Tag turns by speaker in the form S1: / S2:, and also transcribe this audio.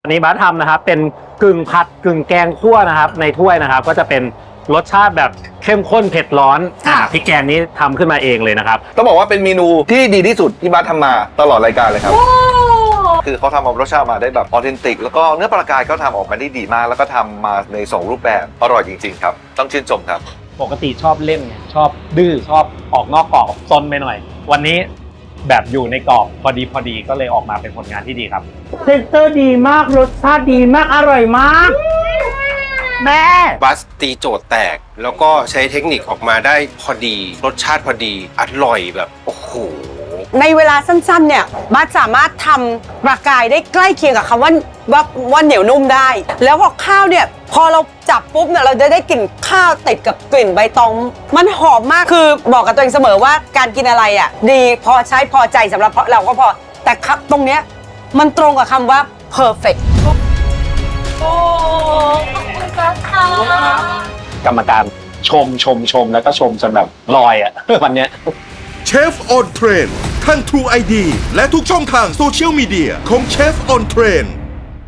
S1: อันนี้บาสทำนะครับเป็นกึ่งผัดกึ่งแกงคั่วนะครับในถ้วยนะครับก็จะเป็นรสชาติแบบเข้มข้นเผ็ดร้อนพริกแกงนี้ทำขึ้นมาเองเลยนะครับ
S2: ต้องบอกว่าเป็นเมนูที่ดีที่สุดที่บาสทำมาตลอดรายการเลยครับคือเขาทำเอารสชาติมาได้แบบออเทนติกแล้วก็เนื้อปลากายก็ทำออกมาได้ดีมากแล้วก็ทำมาใน2รูปแบบอร่อยจริงๆครับต้องชื่นชมครับ
S1: ปกติชอบเล่นไงชอบดื้อชอบออกนอกกรอบซนไปหน่อย วันนี้แบบอยู่ในกรอบพอดีก็เลยออกมาเป็นผลงานที่ดีครับ
S3: เทคเตอร์ดีมากรสชาติดีมากอร่อยมากแม่
S4: บัสตีโจทย์แตกแล้วก็ใช้เทคนิคออกมาได้พอดีรสชาติพอดีอร่อยแบบโอ้โห
S5: ในเวลาสั้นๆเนี่ยบัสสามารถทำปลากายได้ใกล้เคียงกับคำว่าเหนียวนุ่มได้ แล้วพอข้าวเนี่ยพอเราจับปุ๊บเนี่ยเราจะได้กลิ่นข้าวติดกับกลิ่นใบตองมันหอมมากคือบอกกับตัวเองเสมอว่าการกินอะไรอ่ะดีพอใช้พอใจสำหรับเราก็พอแต่ครับตรงเนี้ยมันตรงกับคำว่า perfect
S6: โอ้ขอบคุณค่ะ
S1: กรรมการชมแล้วก็ชมจนแบบลอยอ่ะ วันเนี้ย
S7: เชฟออนเทรนทั้ง True ID และทุกช่องทางโซเชียลมีเดียของเชฟออนเทรน